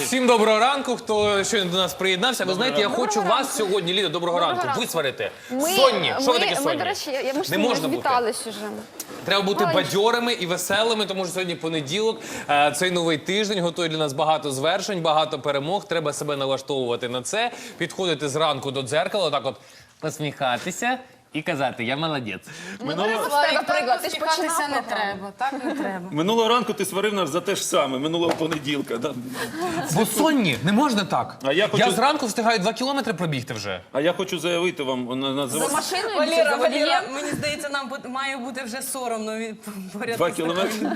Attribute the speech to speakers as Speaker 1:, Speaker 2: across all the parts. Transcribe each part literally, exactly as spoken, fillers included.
Speaker 1: всім доброго ранку, хто щойно до нас приєднався. Ви знаєте, я хочу вас сьогодні, Ліда, доброго ранку, висварити. Сонні. Що ви таке сонні?
Speaker 2: Ми, до речі, ми ж
Speaker 1: Не можна бути.
Speaker 2: вітались уже.
Speaker 1: Треба бути бадьорими і веселими, тому що сьогодні понеділок, цей новий тиждень готує для нас багато звершень, багато перемог. Треба себе налаштовувати на це, підходити зранку до дзеркала, отак от посміхатися і казати «я молодець».
Speaker 2: Приклад, ти ж
Speaker 3: Посміхатися не треба, так не треба.
Speaker 4: Минулого ранку ти сварив нас за те ж саме, минулого понеділка. Да?
Speaker 1: Бо сонні, не можна так.
Speaker 4: А я хочу-
Speaker 1: Я зранку встигаю два кілометри пробігти вже.
Speaker 4: А я хочу заявити вам, на-
Speaker 2: За
Speaker 4: називати
Speaker 2: машиною,
Speaker 3: Валера,
Speaker 2: за водієм.
Speaker 3: Валера, мені здається, нам бу- має бути вже соромно від поряд.
Speaker 4: два кілометри.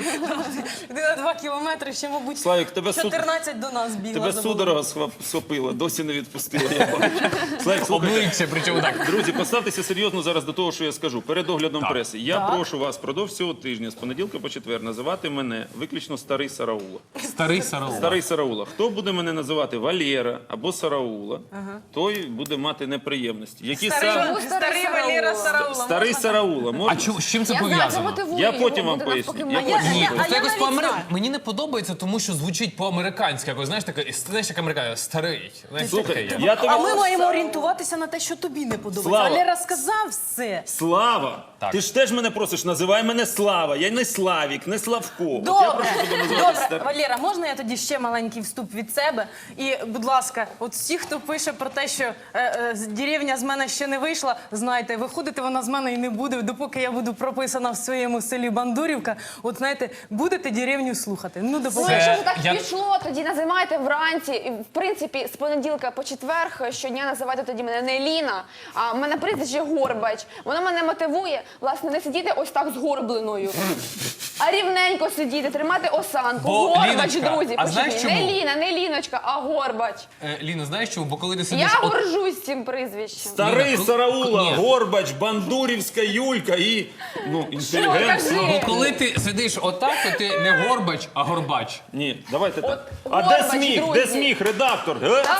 Speaker 3: Ти на два кілометри ще, мабуть,
Speaker 4: Славік, тебе суд-
Speaker 3: чотирнадцять до нас бігла.
Speaker 4: Тебе
Speaker 3: забула.
Speaker 4: судорога схвап- схопила, досі не відпустила. Я бачу. Славік, слухайте.
Speaker 1: Обличчя, причому так.
Speaker 4: Друзі, поставтеся серйозно зараз до того, що я скажу. Перед оглядом преси. Я прошу вас впродовж цього тижня, з понеділка по четвер, називати мене виключно старий Сараула.
Speaker 1: Старий Сараула.
Speaker 4: Старий Сараула. Хто буде мене називати Валера або Сараула, той буде мати неприємності. Які
Speaker 3: Старий,
Speaker 4: саме...
Speaker 3: старий Валера Сараула.
Speaker 4: Старий Сараула.
Speaker 1: А
Speaker 4: Можна?
Speaker 1: чому, з чим це
Speaker 2: Я знаю, це
Speaker 1: пов'язано?
Speaker 2: мотивує
Speaker 4: Я
Speaker 2: його,
Speaker 4: потім вам
Speaker 2: буде
Speaker 4: поясню.
Speaker 2: навпаки
Speaker 4: Я
Speaker 2: молодець.
Speaker 4: потім
Speaker 1: Ні,
Speaker 3: Я-
Speaker 1: просто
Speaker 3: а я
Speaker 1: якось
Speaker 3: навіть
Speaker 1: по-амери...
Speaker 3: знаю.
Speaker 1: Мені не подобається, тому що звучить по-американськи. Якось, знаєш, таке, знаєш, як американська, старий. Знаєш, таке
Speaker 4: Слухай,
Speaker 1: є.
Speaker 4: я тобі...
Speaker 3: А ми маємо орієнтуватися на те, що тобі не подобається.
Speaker 4: Слава.
Speaker 3: Валера сказав все.
Speaker 4: Слава!
Speaker 1: Так.
Speaker 4: Ти ж теж мене просиш, називай мене Слава. Я не Славік, не Славко. От я
Speaker 3: Добре,
Speaker 4: прошу тебе називати
Speaker 3: добре.
Speaker 4: Стар-
Speaker 3: Валера, можна я тоді ще маленький вступ від себе? І, будь ласка, от всі, хто пише про те, що е, е, з- деревня з мене ще не вийшла, знайте, виходити вона з мене і не буде, допоки я буду прописана в своєму селі Бандурівка. От, знаєте, будете деревню слухати. Ну,
Speaker 2: Ну,
Speaker 3: допоки.
Speaker 2: якщо вже так
Speaker 1: я-
Speaker 2: пішло, тоді називайте вранці. І, в принципі, з понеділка по четверг щодня називайте тоді мене не Ліна, а в мене прізвище Горбач. Воно мене мотивує, власне, не сидіти ось так згорбленою, а рівненько сидіти, тримати осанку.
Speaker 1: Бо,
Speaker 2: Горбач,
Speaker 1: Ліночка,
Speaker 2: друзі,
Speaker 1: а
Speaker 2: почуйте.
Speaker 1: знаєш
Speaker 2: Не
Speaker 1: чому?
Speaker 2: Ліна, не Ліночка, а Горбач.
Speaker 1: Е, Ліна, знаєш чому? Бо коли ти сидиш...
Speaker 2: Я
Speaker 1: от-
Speaker 2: горжусь цим прізвищем.
Speaker 4: Старий
Speaker 1: Ліна, коли-
Speaker 4: Сараула,
Speaker 1: Ні.
Speaker 4: Горбач, Бандурівська Юлька і... Ну, інтелігентно.
Speaker 2: кажи?
Speaker 1: Бо коли ти сидиш отак, то ти не Горбач, а Горбач.
Speaker 4: Ні, давайте так. А
Speaker 2: Горбач,
Speaker 4: де сміх?
Speaker 2: друзі.
Speaker 4: Де сміх, редактор? Е? Один,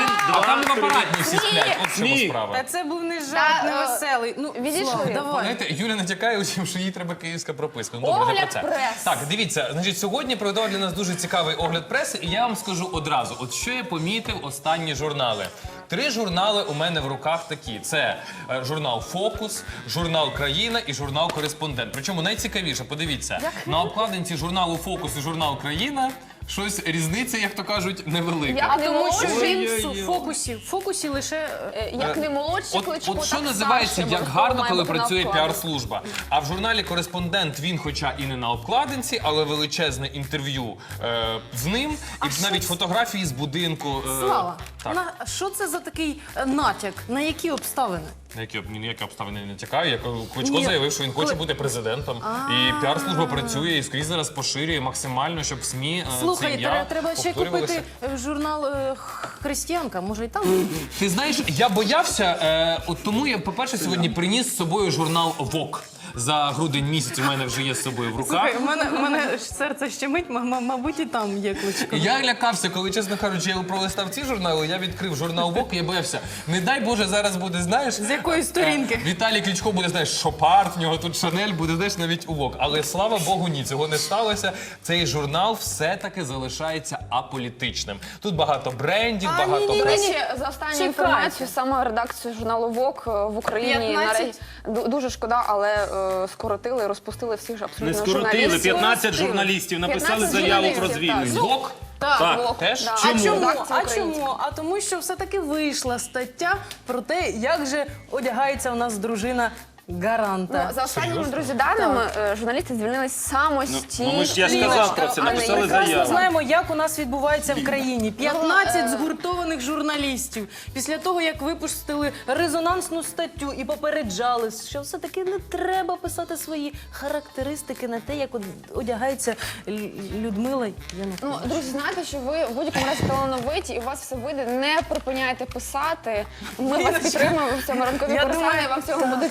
Speaker 1: А там
Speaker 4: два,
Speaker 1: в
Speaker 4: три.
Speaker 1: апаратні всі сплять. От в чому
Speaker 4: Сміх.
Speaker 1: справа.
Speaker 3: Та це був не
Speaker 2: Та,
Speaker 3: жарт, не
Speaker 2: е,
Speaker 3: веселий. Ну,
Speaker 2: відійшли.
Speaker 3: Слава, давай.
Speaker 1: Знаєте, Юля натякає усім, що їй треба київська прописка. Ну, добре, не
Speaker 2: Огляд
Speaker 1: про це.
Speaker 2: прес.
Speaker 1: Так, дивіться, значить, сьогодні приготував для нас дуже цікавий огляд преси, і я вам скажу одразу, от що я помітив останні журнали. Три журнали у мене в руках такі. Це е, журнал «Фокус», журнал «Країна» і журнал «Кореспондент». Причому найцікавіше, подивіться, на обкладинці журналу «Фокус» і журнал «Країна» щось різниця, як то кажуть, невелика.
Speaker 2: Я
Speaker 3: А
Speaker 2: не
Speaker 3: тому що
Speaker 2: молодший,
Speaker 3: він
Speaker 4: Ой-ой-ой.
Speaker 3: в фокусі, в фокусі лише...
Speaker 2: е, як не молодший
Speaker 1: От,
Speaker 2: Кличко,
Speaker 1: от що
Speaker 2: так
Speaker 1: називається,
Speaker 2: старший
Speaker 1: як
Speaker 2: обов'язково
Speaker 1: гарно,
Speaker 2: має
Speaker 1: коли
Speaker 2: бути на
Speaker 1: працює
Speaker 2: обкладинці.
Speaker 1: піар-служба. А в журналі «Кореспондент» він, хоча і не на обкладинці, але величезне інтерв'ю е, з ним, і
Speaker 3: що
Speaker 1: навіть
Speaker 3: це?
Speaker 1: фотографії з будинку. е,
Speaker 3: Слава,
Speaker 1: так.
Speaker 3: на, що це за такий е, натяк? На які обставини?
Speaker 1: На які, об- ні, ніякі обставини не тікаю. Я кажу, Кличко
Speaker 3: Ні.
Speaker 1: заявив, що він хоче
Speaker 3: Коли-
Speaker 1: бути президентом. І піар-служба працює і скрізь зараз поширює максимально, щоб СМІ е, це
Speaker 3: Слухай,
Speaker 1: ім'я
Speaker 3: треба, треба ще
Speaker 1: повторювалося.
Speaker 3: купити е, журнал е, «Християнка», може і там?
Speaker 1: Ти знаєш, я боявся, е, от тому я, по-перше, сьогодні приніс з собою журнал «Вок». За грудень місяць у мене вже є з собою в руках.
Speaker 3: Слухай, у мене, у мене серце щемить, м- м- мабуть, і там є Кличко.
Speaker 1: Я лякався, коли, чесно кажучи, я пролистав ці журнали, я відкрив журнал «Вок» і я боявся. Не дай Боже, зараз буде, знаєш...
Speaker 3: З якої сторінки?
Speaker 1: е, Віталій Кличко буде, знаєш, Шопарт, в нього тут Шанель, буде, знаєш, навіть у «Вок». Але, слава Богу, ні, цього не сталося. Цей журнал все-таки залишається аполітичним. Тут багато брендів,
Speaker 3: А,
Speaker 1: багато...
Speaker 3: ні-ні-ні.
Speaker 2: До
Speaker 1: прес-
Speaker 2: речі, за останню
Speaker 3: Чекайте.
Speaker 2: інформацію, саме редакцію журналу «Вок» в Україні
Speaker 3: п'ятнадцять?
Speaker 2: наразі ду- дуже шкода, але е, скоротили, розпустили всіх ж абсолютно
Speaker 4: Не скоротили,
Speaker 2: журналістів.
Speaker 4: п'ятнадцять журналістів написали
Speaker 2: п'ятнадцять
Speaker 4: заяву про
Speaker 2: журналістів, так.
Speaker 4: звільнення.
Speaker 1: «Вок»?
Speaker 2: Так,
Speaker 4: Так,
Speaker 2: «Вок»,
Speaker 1: теж?
Speaker 2: да.
Speaker 3: А
Speaker 4: Чому?
Speaker 3: чому?
Speaker 2: Редакція
Speaker 3: А
Speaker 2: українська.
Speaker 3: чому? А тому, що все-таки вийшла стаття про те, як же одягається у нас дружина Гаранта.
Speaker 2: Ну, за останніми, друзі, даними, е, журналісти звільнились самостійно.
Speaker 4: ну, ми ж- я ж казав про це,
Speaker 2: а не
Speaker 4: написали
Speaker 2: як-
Speaker 4: заяву.
Speaker 3: Ми знаємо, як у нас відбувається в країні. п'ятнадцять
Speaker 2: е,
Speaker 3: згуртованих журналістів. Після того, як випустили резонансну статтю і попереджали, що все-таки не треба писати свої характеристики на те, як од- одягається Л- Людмила Янукович.
Speaker 2: Ну, друзі, знаєте, що ви в будь-якому разі талановиті і у вас все вийде. Не припиняйте писати. Ми вас підтримуємо в цьому ранкові
Speaker 3: Я
Speaker 2: персоні,
Speaker 3: думаю,
Speaker 2: вам в цьому буде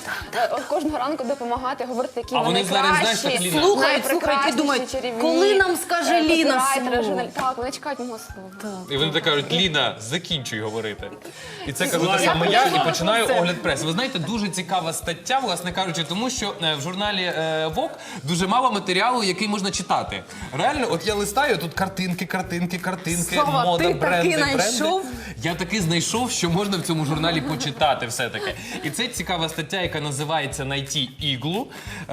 Speaker 2: е, от кожного ранку допомагати, говорити, які
Speaker 1: А
Speaker 2: вони
Speaker 1: вони зараз, знаєш,
Speaker 2: кращі,
Speaker 1: так, Ліна-
Speaker 3: Слухають, слухають і
Speaker 2: найпрекрасніші,
Speaker 3: думають,
Speaker 2: чарівні,
Speaker 3: коли нам скаже
Speaker 2: е,
Speaker 3: Ліна
Speaker 2: копірайтери,
Speaker 3: слово?
Speaker 2: журналі- Так, вони чекають мого слова.
Speaker 1: І вони так кажуть, Ліна, закінчуй говорити. І це кажу
Speaker 4: Слава
Speaker 1: те саме
Speaker 4: Богу.
Speaker 1: я, і починаю огляд преси. Ви знаєте, дуже цікава стаття, власне кажучи, тому що е, в журналі е, Vogue дуже мало матеріалу, який можна читати. Реально, от я листаю, тут картинки, картинки, картинки,
Speaker 3: Слава,
Speaker 1: мода,
Speaker 3: ти
Speaker 1: бренди,
Speaker 3: таки
Speaker 1: бренди.
Speaker 3: знайшов?
Speaker 1: Я таки знайшов, що можна в цьому журналі почитати все-таки. І це цікава стаття, яка називається «Найти іглу».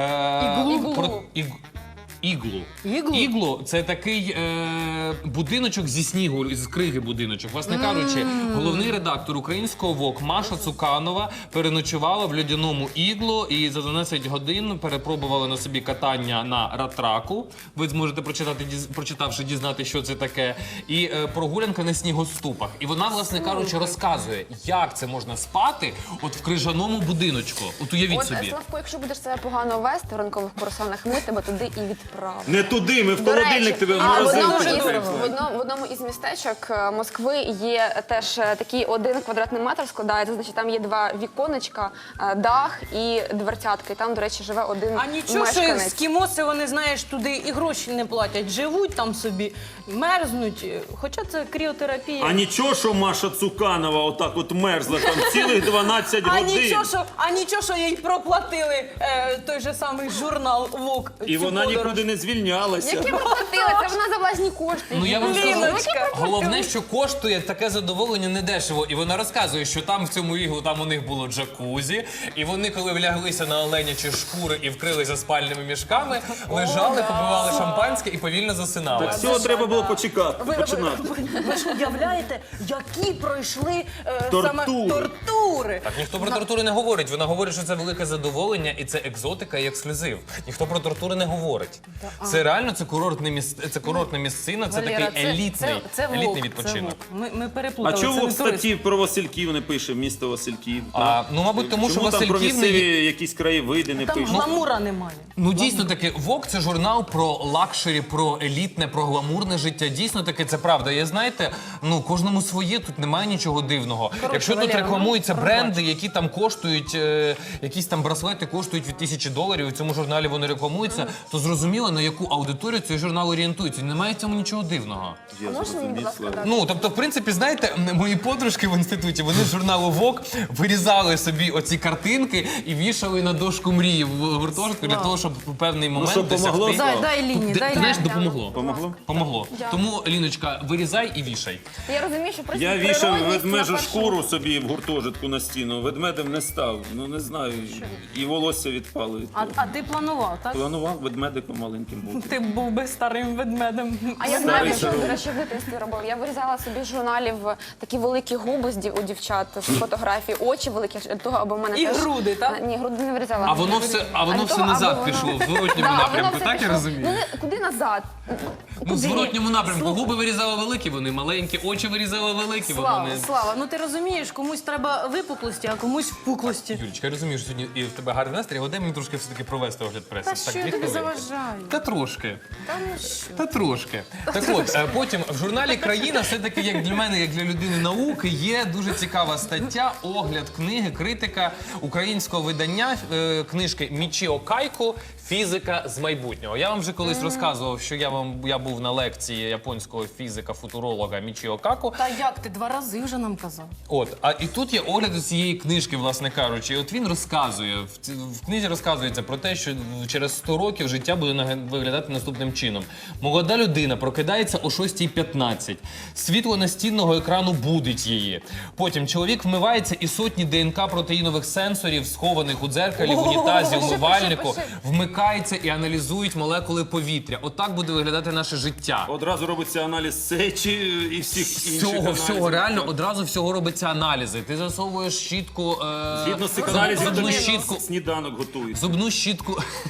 Speaker 1: Е,
Speaker 3: Іглу?
Speaker 1: про- іг- Іглу.
Speaker 3: Іглу?
Speaker 1: Іглу це такий е, будиночок зі снігу, з криги будиночок. Власне кажучи, головний редактор українського Vogue Маша Цуканова переночувала в льодяному іглу і за дванадцять годин перепробувала на собі катання на ратраку. Ви зможете прочитати, діз- прочитавши, дізнати, що це таке. І е, прогулянка на снігоступах. І вона, власне кажучи, розказує, як це можна спати от в крижаному будиночку. От уявіть
Speaker 2: От,
Speaker 1: собі.
Speaker 2: Славко, якщо будеш себе погано вести в ранкових курсанах, ми тебе туди і відправимо.
Speaker 4: Не туди, ми в
Speaker 2: До
Speaker 4: холодильник
Speaker 2: речі,
Speaker 4: тебе в
Speaker 2: а в одному,
Speaker 4: морозилку
Speaker 2: із,
Speaker 4: закриємо.
Speaker 2: в, одному, в одному із містечок е, Москви є теж е, такий один квадратний метр складається, значить там є два віконечка, е, дах і дверцятки. І там, до речі, живе один
Speaker 3: А нічого, що
Speaker 2: мешканець.
Speaker 3: ескімоси, вони, знаєш, туди і гроші не платять, живуть там собі, мерзнуть. Хоча це кріотерапія.
Speaker 4: А нічого, що Маша Цуканова отак от мерзла там цілих дванадцять
Speaker 3: А
Speaker 4: годин.
Speaker 3: нічого, що, а нічого, що їй проплатили е, той же самий журнал Vogue.
Speaker 4: І
Speaker 3: цю
Speaker 4: вона
Speaker 3: подорож.
Speaker 4: нікуди не звільнялася.
Speaker 2: Які проплатили? Це вона за власні кошти.
Speaker 1: Ну я вам скажу,
Speaker 3: Ліночка.
Speaker 1: головне, що коштує таке задоволення недешево. І вона розказує, що там в цьому іглу там у них було джакузі, і вони, коли вляглися на оленячі шкури і вкрилися спальними мішками, лежали, попивали шампанське і повільно засинали.
Speaker 4: Так цього треба було почекати,
Speaker 3: Ви, ви,
Speaker 4: починати.
Speaker 3: ви, ви ж уявляєте, які пройшли е, саме
Speaker 4: Тортури.
Speaker 3: тортури.
Speaker 1: Так ніхто про тортури не говорить. Вона говорить, що це велике задоволення і це екзотика і ексклюзив. Ніхто про тортури не говорить. Це реально це курортне міс... це курортна місцина, це
Speaker 3: Валера,
Speaker 1: такий елітний,
Speaker 3: це, це
Speaker 1: елітний
Speaker 3: Vogue,
Speaker 1: відпочинок.
Speaker 3: це Vogue. Ми, ми
Speaker 4: А
Speaker 3: переплутали.
Speaker 4: чого
Speaker 3: це
Speaker 4: в
Speaker 3: не турист.
Speaker 4: статті про Васильків не пише місто Васильків?
Speaker 1: А,
Speaker 4: так?
Speaker 1: ну, мабуть, тому що
Speaker 4: Чому там про
Speaker 1: Васильків не
Speaker 4: місцеві якісь краєвиди не
Speaker 3: Там
Speaker 4: пише?
Speaker 3: гламура немає.
Speaker 1: Ну дійсно таки, Vogue – це журнал про лакшері, про елітне, про гламурне життя. Дійсно таки, це правда. І знаєте, ну кожному своє, тут немає нічого дивного. Якщо тут
Speaker 3: Валера,
Speaker 1: рекламуються
Speaker 3: ну,
Speaker 1: бренди, які там коштують, е, якісь там браслети коштують від тисячі доларів, і в цьому журналі вони рекламуються, то зрозуміло, на яку аудиторію цей журнал орієнтується. Немає в цьому нічого дивного.
Speaker 4: Я
Speaker 2: А можна мені, будь
Speaker 4: зрозумів,
Speaker 2: ласка,
Speaker 4: Слава.
Speaker 2: дати?
Speaker 1: Ну, тобто, в принципі, знаєте, мої подружки в інституті, вони з журналу Vogue вирізали собі оці картинки і вішали на дошку мрії в гуртожитку для того, щоб у певний момент
Speaker 4: щоб помогло?
Speaker 1: досягти.
Speaker 3: Дай, дай Ліні,
Speaker 1: Де-
Speaker 3: дай
Speaker 1: ти знаєш,
Speaker 3: Ліні.
Speaker 1: допомогло.
Speaker 4: Помогло?
Speaker 1: Помогло. Тому, Ліночка, вирізай і вішай.
Speaker 2: Я розумію, що просто
Speaker 4: Я вішав
Speaker 2: природність
Speaker 4: ведмежу
Speaker 2: на першому-
Speaker 4: шкуру собі в гуртожитку на стіну. Ведмедем не став. Ну не знаю. І волосся відпало. від
Speaker 3: А,
Speaker 4: того.
Speaker 3: а ти планував, так?
Speaker 4: Планував ведмедиком маленьким бути.
Speaker 3: Ти був би старим ведмедем.
Speaker 2: А я
Speaker 4: Старий
Speaker 2: знаю, що
Speaker 4: шаров.
Speaker 2: до речі, в дитинстві робив. Я вирізала собі з журналів такі великі губи з дів- у дівчат з фотографій, очі великі для того, аби в мене
Speaker 3: І
Speaker 2: теж...
Speaker 3: груди, так?
Speaker 2: А, ні, груди не вирізала.
Speaker 1: А воно все, а воно
Speaker 2: для
Speaker 1: все
Speaker 2: того,
Speaker 1: назад
Speaker 2: аби воно-
Speaker 1: пішло, в зворотньому
Speaker 2: Да, воно
Speaker 1: напрямку,
Speaker 2: все
Speaker 1: так я
Speaker 2: пішло.
Speaker 1: розумію?
Speaker 2: Ну, не- куди назад?
Speaker 1: Ну, в зворотньому напрямку. Губи вирізали великі, вони маленькі, очі вирізали великі,
Speaker 3: Слава,
Speaker 1: вони...
Speaker 3: Слава, ну ти розумієш, комусь треба випуклості, а комусь впуклості.
Speaker 1: Юлічка, я розумію, що сьогодні і в тебе гарний настрій, але дай мені трошки все-таки провести огляд преси.
Speaker 3: Та що я
Speaker 1: дві
Speaker 3: тобі
Speaker 1: хвилинки.
Speaker 3: заважаю?
Speaker 1: Та трошки.
Speaker 3: Та ну що?
Speaker 1: Та трошки. Так от, е, потім в журналі «Країна» все-таки, як для мене, як для людини науки, є дуже цікава стаття, огляд книги, критика українського видання е, книжки Мічіо Кайко «Фізика з майбутнього». Я вам вже колись розказував, що я, вам, я був на лекції японського фізика-футуролога Мічіо Како.
Speaker 3: Та як ти два рази вже нам казав?
Speaker 1: От, а і тут є огляд цієї книжки, власне кажучи. І от він розказує, в, ці- в книзі розказується про те, що через сто років життя буде наге- виглядати наступним чином. Молода людина прокидається о шостій п'ятнадцять. Світло настінного екрану будить її. Потім чоловік вмивається і сотні ДНК протеїнових сенсорів, схованих у дзеркалі, в унітазі, умивальнику,
Speaker 2: пиши.
Speaker 1: вмикається і аналізують молекули повітря. Отак буде виглядати наше життя.
Speaker 4: Одразу робиться аналіз сечі і всіх інших
Speaker 1: Всього,
Speaker 4: аналізів.
Speaker 1: всього, реально, одразу всього робиться аналізи. Ти засовуєш щітку, е,
Speaker 4: Згідно з цих
Speaker 1: зуб-
Speaker 4: аналізів,
Speaker 1: зубну
Speaker 4: тобі
Speaker 1: щітку,
Speaker 4: сніданок готують.
Speaker 1: зубну щітку,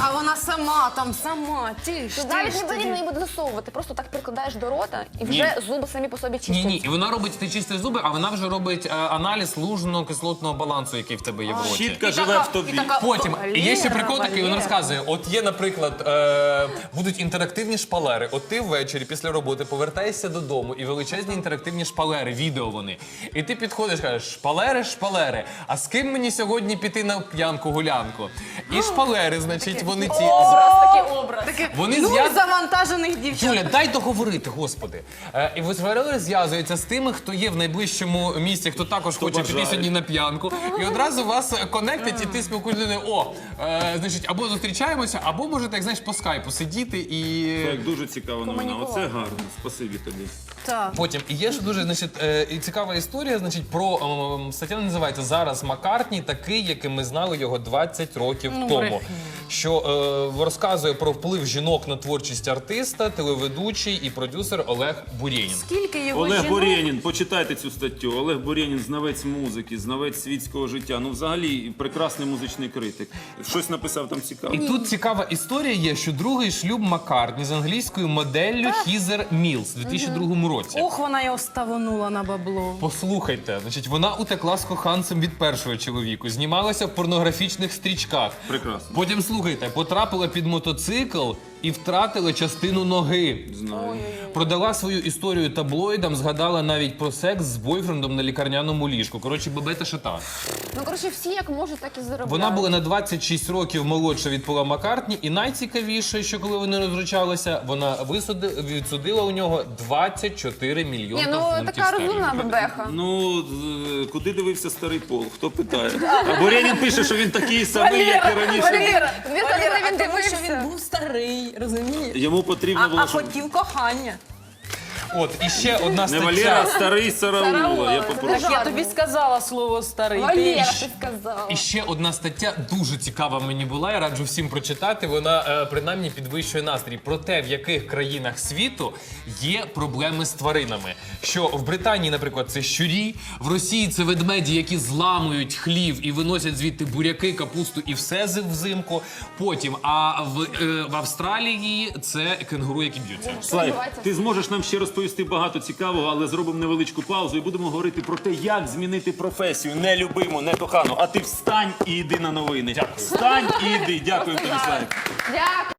Speaker 3: А вона сама там, сама, тільки.
Speaker 2: Тут навіть не потрібно її буде засовувати, просто так прикладаєш до рота і вже зуби самі по собі чистять.
Speaker 1: Ні, ні, і вона робить, ти чистиш зуби, а вона вже робить е, аналіз лужно-кислотного балансу, який в тебе є в роті.
Speaker 4: Щітка живе в тобі.
Speaker 1: Потім і є ще
Speaker 3: Валера,
Speaker 1: прикол такий, він
Speaker 3: Валера.
Speaker 1: розказує: от є, наприклад, е, будуть інтерактивні шпалери. От ти ввечері після роботи повертаєшся додому, і величезні інтерактивні шпалери, відео вони. І ти підходиш, кажеш, шпалери, шпалери. А з ким мені сьогодні піти на п'янку гулянку? І шпалери, значить, вони ці
Speaker 2: Образ, такий образ.
Speaker 1: вони
Speaker 3: Ну,
Speaker 1: зв'яз-
Speaker 3: завантажених дівчат.
Speaker 1: Юля, дай договорити, господи. Е, і шпалери зв'язуються з тими, хто є в найближчому місці, хто також хоче піти
Speaker 4: бажає.
Speaker 1: сьогодні на п'янку. І одразу вас конектять, і ти спілкуєшся. О, е, значить, або зустрічаємося, або можете, як знаєш, по скайпу сидіти і.
Speaker 4: Так, дуже цікава новина. Оце гарно. Спасибі тобі.
Speaker 3: Так.
Speaker 1: Потім і є ж дуже, значить, е, і цікава історія, значить, про ем, стаття називається «Зараз Маккартні такий, яким ми знали його двадцять років
Speaker 3: Ну,
Speaker 1: тому».
Speaker 3: брехня.
Speaker 1: Що е, розказує про вплив жінок на творчість артиста, телеведучий і продюсер Олег Бурєнін.
Speaker 3: Скільки його
Speaker 4: Олег
Speaker 3: жінок?
Speaker 4: Бурєнін, почитайте цю статтю. Олег Бурєнін, знавець музики, знавець світського життя. Ну, взагалі, прекрасний музичний критик. Щось написав там цікаве.
Speaker 1: І тут цікава історія є, що другий шлюб Маккартні з англійською моделлю Хізер Мілс у дві тисячі другому році.
Speaker 3: Ох, вона його ставонула на бабло.
Speaker 1: Послухайте, значить, вона утекла з коханцем від першого чоловіку, знімалася в порнографічних стрічках.
Speaker 4: Прекрасно.
Speaker 1: Потім, слухайте, потрапила під мотоцикл і втратила частину ноги.
Speaker 4: Знаю.
Speaker 1: Продала свою історію таблоїдам, згадала навіть про секс з бойфрендом на лікарняному ліжку. Коротше, бабета шита.
Speaker 2: Ну, коротше, всі як можуть, так і заробляють.
Speaker 1: Вона була на двадцять шість років молодша від Пола Маккартні, і найцікавіше, що коли вони розручалися, вона висуди- відсудила у нього двадцять чотири мільйони
Speaker 2: Ні, ну
Speaker 1: фунтів
Speaker 2: така
Speaker 1: стерлінгів.
Speaker 2: розумна бебеха.
Speaker 4: Ну, з- куди дивився старий Пол? Хто питає? А Бурєнін пише, що він такий самий, як і раніше.
Speaker 2: Валера, він
Speaker 3: Валера,
Speaker 2: коли
Speaker 3: а
Speaker 2: він
Speaker 3: тому, що
Speaker 2: дивився.
Speaker 3: він був старий, розумієш?
Speaker 4: Йому потрібно
Speaker 3: А,
Speaker 4: було,
Speaker 3: а
Speaker 4: щоб...
Speaker 3: хотів кохання.
Speaker 1: От, і ще одна
Speaker 4: Не Валера, а
Speaker 1: стаття.
Speaker 4: старий Сараула.
Speaker 2: Сараула,
Speaker 4: Я
Speaker 2: це
Speaker 4: попрошу.
Speaker 3: Так я тобі сказала слово старий. Ти
Speaker 2: Валера,
Speaker 3: ж-
Speaker 2: ти сказала.
Speaker 1: І ще одна стаття дуже цікава мені була, я раджу всім прочитати. Вона е, принаймні підвищує настрій про те, в яких країнах світу є проблеми з тваринами. Що в Британії, наприклад, це щурі, в Росії це ведмеді, які зламують хлів і виносять звідти буряки, капусту і все з- взимку. Потім, а в, е, в Австралії це кенгуру, які б'ються.
Speaker 4: Слайв,
Speaker 2: відбувається?
Speaker 4: ти зможеш нам ще розповісти багато цікавого, але зробимо невеличку паузу і будемо говорити про те, як змінити професію. Не любиму, не кохану. А ти встань і йди на новини. Встань і йди. Дякую тобі, Слайв.
Speaker 2: Дякую.